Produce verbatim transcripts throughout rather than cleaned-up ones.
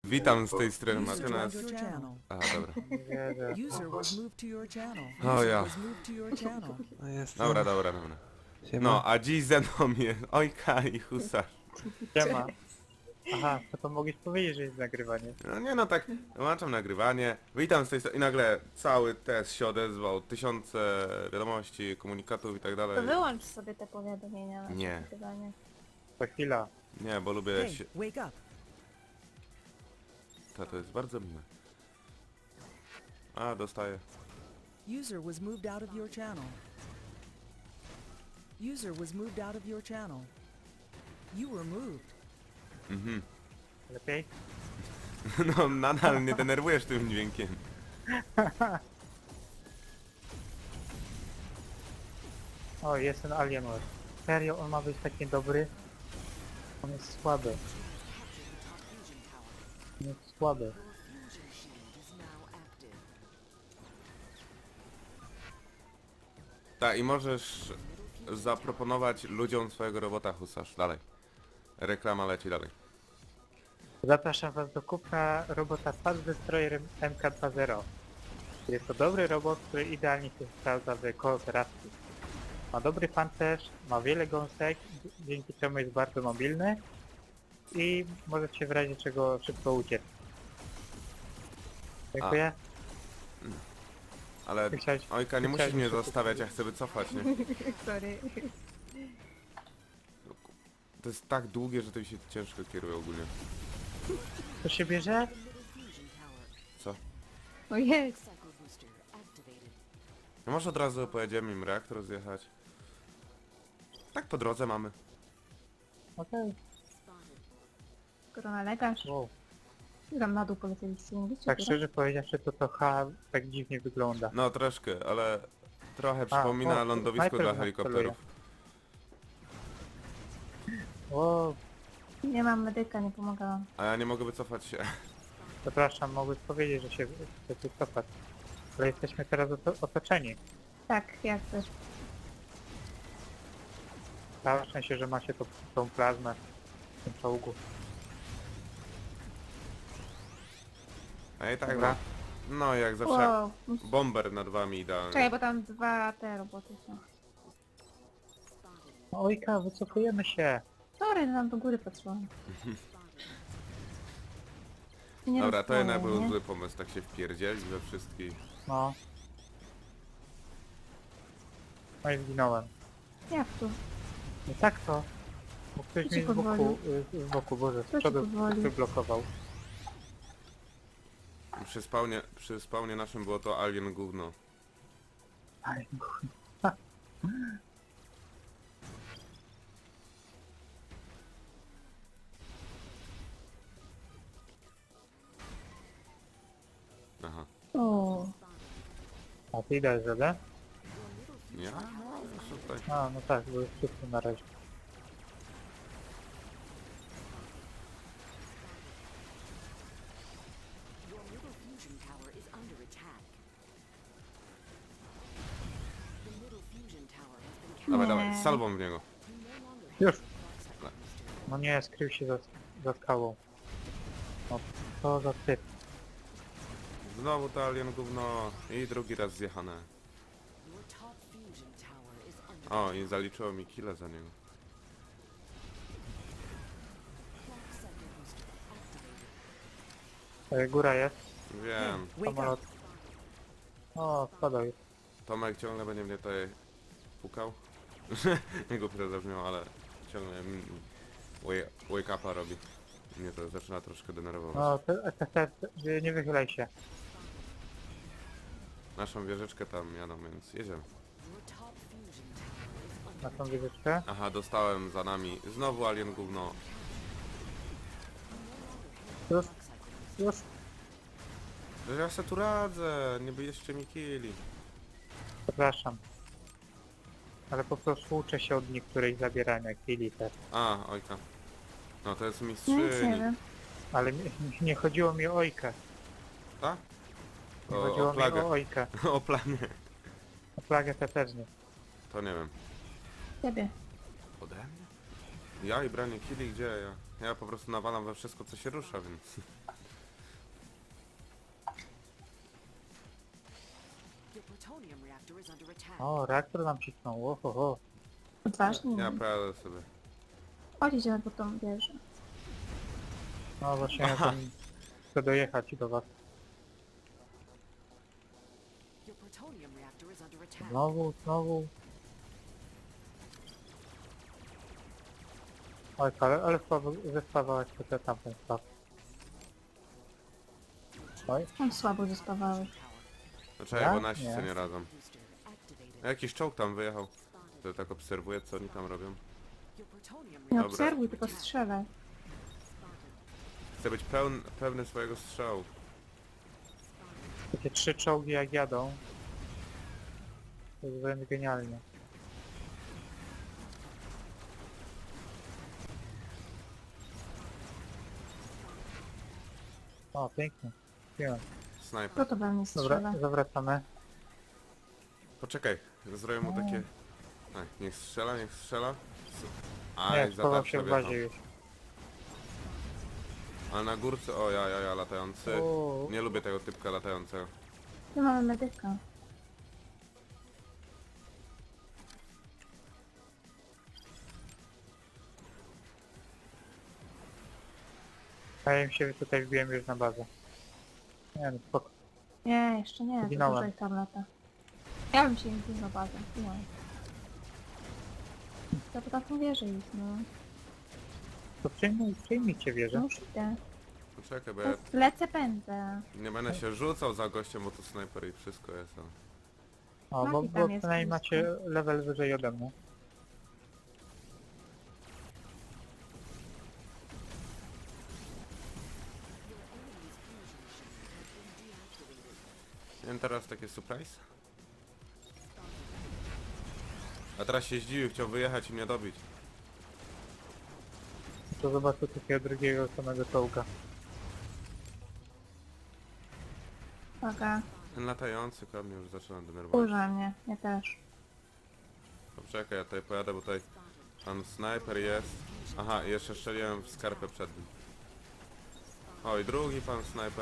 Witam z tej strony User joined Martynas. your channel. Aha, dobra. Nie, User was moved to your channel. O User ja. was moved to your channel. no jest. Dobra, dobra, dobra. Siema. No, a dziś ze mną jest Ojka i Husarz. Siema. Aha, to, to mogłeś powiedzieć, że jest nagrywanie. No nie no, tak, włączam nagrywanie. Witam z tej strony i nagle cały test się odezwał. Tysiące wiadomości, komunikatów i tak To dalej. wyłącz sobie te powiadomienia na Nie. nagrywanie. To chwila. Nie, bo lubię Hey, się... wake up. To, to jest bardzo miłe. A, dostaję. User was moved out of your channel. User was moved out of your channel. You were moved. Mhm. Lepiej? No, nadal mnie denerwujesz tym dźwiękiem. O, jest ten Alienware. Serio, on ma być taki dobry? On jest słaby. On jest słaby. Tak, i możesz zaproponować ludziom swojego robota, Husarz. Dalej. Reklama leci dalej. Zapraszam was do kupna robota Fast Destroyer M K dwa zero. Jest to dobry robot, który idealnie się sprawdza w kooperacji. Ma dobry pancerz, ma wiele gąsek, dzięki czemu jest bardzo mobilny i możecie w razie czego szybko uciec. Dziękuję. Ale Ty chciałeś- Ojka, nie ty musisz chciałeś mnie szybko zostawiać, ja chcę wycofać, nie? Sorry. To jest tak długie, że to mi się ciężko kieruje ogólnie. To się bierze? Co? O jest. No może od razu pojedziemy im reaktor zjechać. Tak po drodze mamy. Okej. Korona lekarz. Wow. Tam na dół polecieliście, nie wiecie? Tak szczerze powiedziawszy, to to H tak dziwnie wygląda. No troszkę, ale trochę przypomina o, lądowisko snajper dla nas helikopterów. O, Nie mam medyka, nie pomagałam. A ja nie mogę wycofać się. przepraszam, mogłeś powiedzieć, że się chce wycofać. Ale jesteśmy teraz oto otoczeni. Tak, jak też. Całe szczęście, że ma się to, tą plazmę w tym czołgu. A i tak Dobra. no. No jak zawsze. Wow. Bomber nad wami idealny. Czekaj, bo tam dwa te roboty są. Ojka, wycofujemy się. Sorry, no tam do góry patrzyłam. Nie Dobra, to jednak rozumiem, był nie? zły pomysł, tak się wpierdzielić we wszystkich. No. No i zginąłem. Jak tu? Nie tak to. Bo ktoś Kto mi ci z boku, pozwolił? y, z boku, boże, Kto z ci przodu pozwolił? wyblokował. Przy spawnie, przy spawnie naszym było to alien gówno. Aj, Aha. O, a ty dajesz radę? Ja? No, jeszcze tutaj. A, no tak, bo jest wszyscy na razie. Your middle fusion tower is under attack. The middle fusion tower has been captured. Dawaj, Nie. dawaj, z salwą w niego. You no longer have Już. the clock cycle booster. No nie, skrył się za, za skałą. No, co za typ. Znowu to alien gówno i drugi raz zjechane. Your top fusion tower is under O, i zaliczyło mi kile za niego. clock cycle booster activated. E, góra jest. Wiem. Wake Samolot. up. O, spadaj. Tomek ciągle będzie mnie tutaj pukał. Jego to zabrzmiał, ale ciągle mm, wake, wake upa robi. Mnie to zaczyna troszkę denerwować. No, te, te, te, te, nie wychylaj się. Naszą wieżyczkę tam jadą, więc jedziemy. Your top fusion tower is under Na tą wieżyczkę. Aha, dostałem za nami znowu alien gówno. Już, clock cycle booster. już. Że ja se tu radzę, nie byście mi kili. Przepraszam. Ale po prostu uczę się od niektórych zabierania killi też. A, ojka. No to jest no nic mistrzyni. nie wiem. Ale mi, nie chodziło mi o ojkę. Tak? Nie O, chodziło o mi plagę. o ojkę. O planie. O plagę te też nie. To nie wiem. Ciebie. Ode mnie? Ja i branie killi, gdzie ja? Ja po prostu nawalam we wszystko, co się rusza, więc... reactor is under attack. O, reaktor nam cisnął, ohoho. Odważnie. Ja pradę sobie. Chodź, idziemy po tą wieżę. No właśnie, ja tam chcę dojechać do was. Your plutonium reactor is under attack. Znowu, znowu. Oj, ale, ale słabo zespawałeś to tamten staw. Oj, On słabo zespawałeś. No czekaj, Ja? bo nasi Nie. co nie radzą. Booster activated. Jakiś czołg tam wyjechał. Spotted. To tak obserwuję, co oni tam robią. Your plutonium Nie Dobra. obserwuj, tylko strzelaj. spotted. Chcę być pełn, pewny swojego strzału. takie trzy czołgi jak jadą. To jest wręcz genialnie. O, pięknie. Pięknie. Snajper. Kto to we mnie strzela? Dobra, zawracamy. Poczekaj, zrobię mu takie... Tak, niech strzela, niech strzela. A, Nie, i schował zatarł się w sobie bazie tam. już. Ale na górce, o ja, ja, ja, latający. O. Nie lubię tego typka latającego. Tu mamy medyka. A ja im się tutaj wbiłem już na bazę. Nie no, spoko. Nie, jeszcze nie, to Zginąłem. dużo ich tam lata. Ja bym się nie wbił na bazę. Nie. To po taką wieżę ich, no. To przyjmij, przyjmijcie wieżę. No już idę. Poczekaj, bo To ja lecę, pędzę. nie będę się rzucał za gościem, bo to snajper i wszystko jest. ale- O, bo, Maki bo tam jest przynajmniej blisko. macie level wyżej ode mnie. Miałem teraz takie surprise. A teraz się zdziwił, chciał wyjechać i mnie dobić. To zobaczę takiego drugiego samego czołga. Uwaga, Ten latający kar mnie już zaczyna denerwować. kurza mnie, ja też. Poczekaj, ja tutaj pojadę, bo tutaj pan snajper jest. Aha, i jeszcze strzeliłem w skarpę przed nim. Oj, drugi pan snajper.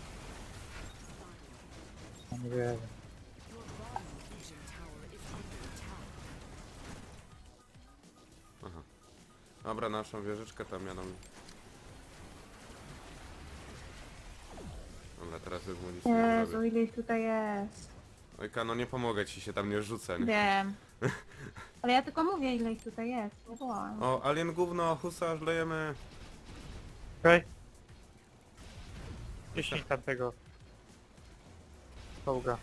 No nie wiem. Fusion tower is under attack. Aha. Dobra, naszą wieżyczkę tam jadą. Dobra, teraz już mu nic nie Jezu, zrobię. ile ich tutaj jest. Ojka, no nie pomogę ci się, tam nie rzucę, nie? Wiem. Ale ja tylko mówię, ile ich tutaj jest. Nie wołam. O, alien gówno, husarz, lejemy. Okej. Ciśnij tamtego czołga.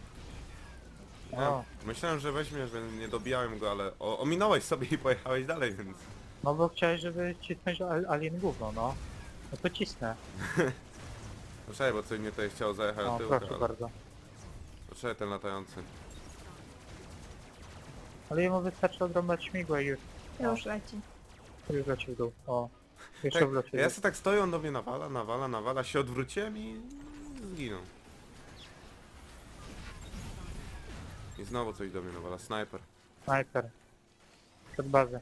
Ja O, myślałem, że weźmiesz, że nie dobijałem go, ale o, ominąłeś sobie i pojechałeś dalej, więc... no bo chciałeś, żeby cisnąć al- alien gówno, no. No to cisnę. Poczekaj, bo coś mnie tutaj chciał zajechać O, do tyłu, proszę ale... bardzo. Poczekaj, ten latający. Ale jemu wystarczy odrąbać śmigła i już, Już leci. już leci w dół. O, jeszcze Tak, wleci w ja dół. sobie tak stoję, on do mnie nawala, nawala, nawala, się odwróciłem i zginął. I znowu coś do mnie nawala, snajper. Snajper. Przed bazę.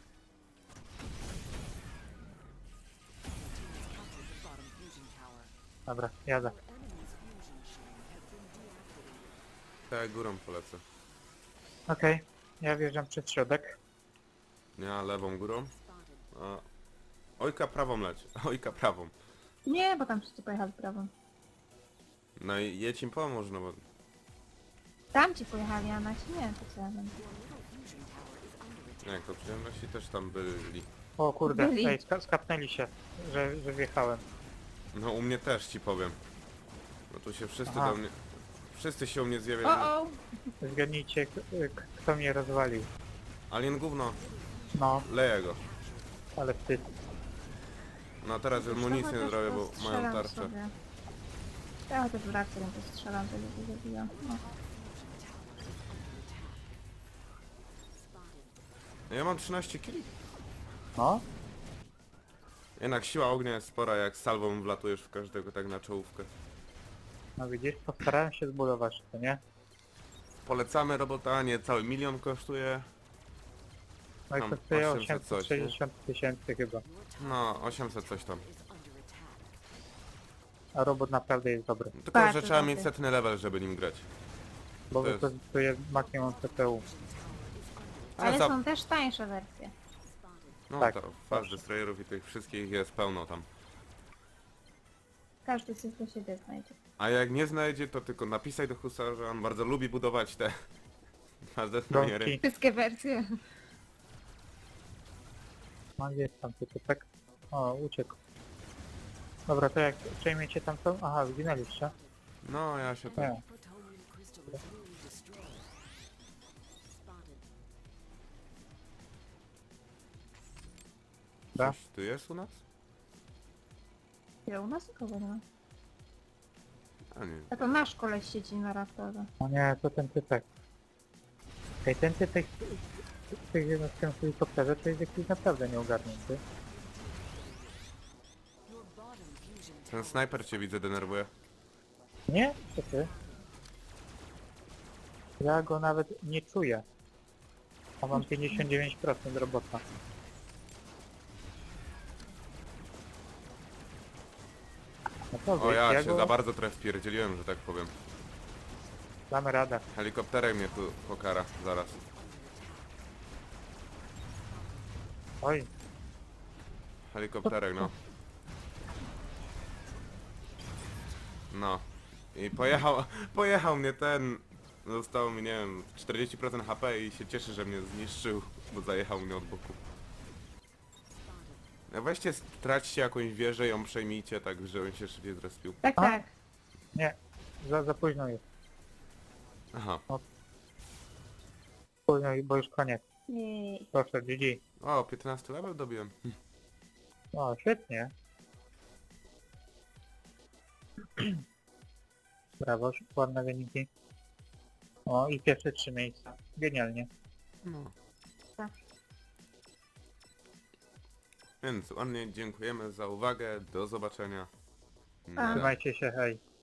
Captured the bottom fusion tower. Dobra, jadę. Your enemy's fusion shield has been deactivated. Tak, górą polecę. Okej, ja wjeżdżam przez środek. Ja lewą górą. Spotted. A... Ojka prawą leci, ojka prawą. Nie, bo tam wszyscy pojechali prawą. No i jedź im pomóż, no bo... Tam ci pojechali, a nasi nie, to co ja będę. Your middle fusion tower is under attack. Jak to przyjemności też tam byli. O kurde, Byli. ej, ska skapnęli się, że, że wjechałem. No u mnie też ci powiem. No tu się wszyscy Aha. do mnie... Wszyscy się u mnie zjawiają. O, o! Zgadnijcie, k- k- kto mnie rozwalił. Alien gówno, No, leję go. ale wstyd. No teraz już mu nic nie zrobię, bo mają tarczę. Ja chociaż w reaktorem postrzelam, to go zabija. No. Ja mam trzynaście kili. No, Jednak siła ognia jest spora, jak salwą wlatujesz w każdego tak na czołówkę. no widzisz, postarałem się zbudować to, nie? Polecamy robota, nie cały milion kosztuje. No i Tam kosztuje osiemset coś, nie? osiemset sześćdziesiąt tysięcy chyba. No, osiemset coś tam. Is under attack. A robot naprawdę jest dobry. Tylko, Bardzo że trzeba dobry. mieć setny level, żeby nim grać. bo To jest- wykorzystuje maksimum C P U. Ale za- są też tańsze wersje. No tak, to Fast proszę. Destroyerów i tych wszystkich jest pełno tam. Każdy coś dla siebie znajdzie. A jak nie znajdzie, to tylko napisaj do Husara, że on bardzo lubi budować te Fast Destroyery. Domki. Wszystkie wersje. No gdzie jest tam typek? O, uciekł. Dobra, to jak przejmiecie tam to? Aha, zginęliście. No ja się tu... Nie. Protonium crystal is newly destroyed. Spotted. Da? Coś tu jest u nas? Ja u nas nikogo nie ma. A nie. A to nasz koleś siedzi na raptorze. No nie, to ten typek. Ej, ten typek w tych jednostkach w helikopterze to jest jakiś naprawdę nieogarnięty. Your bottom fusion Ten snajper cię widzę denerwuje. Nie? Co ty? Ja go nawet nie czuję. A mam pięćdziesiąt dziewięć procent robota. No to O wiesz, ja ja się go... za bardzo trochę wpierdzieliłem, że tak powiem. Damy radę. Helikopterek mnie tu pokara zaraz. Oj, Helikopterek, no. No. I pojechał, pojechał mnie ten... Zostało mi, nie wiem, czterdzieści procent H P i się cieszy, że mnie zniszczył, bo zajechał mnie od boku. No weźcie, straćcie jakąś wieżę, ją przejmijcie, tak żebym się szybciej zrespił. Tak, A? tak. nie. Za, za późno jest. Aha. Późno, bo już koniec. Jej. Proszę, G G. O, piętnasty level dobiłem. O, świetnie. Brawo, ładne wyniki. O, i pierwsze trzy miejsca. Genialnie. No. Tak. Więc ładnie dziękujemy za uwagę, do zobaczenia. Pa. Trzymajcie się, hej.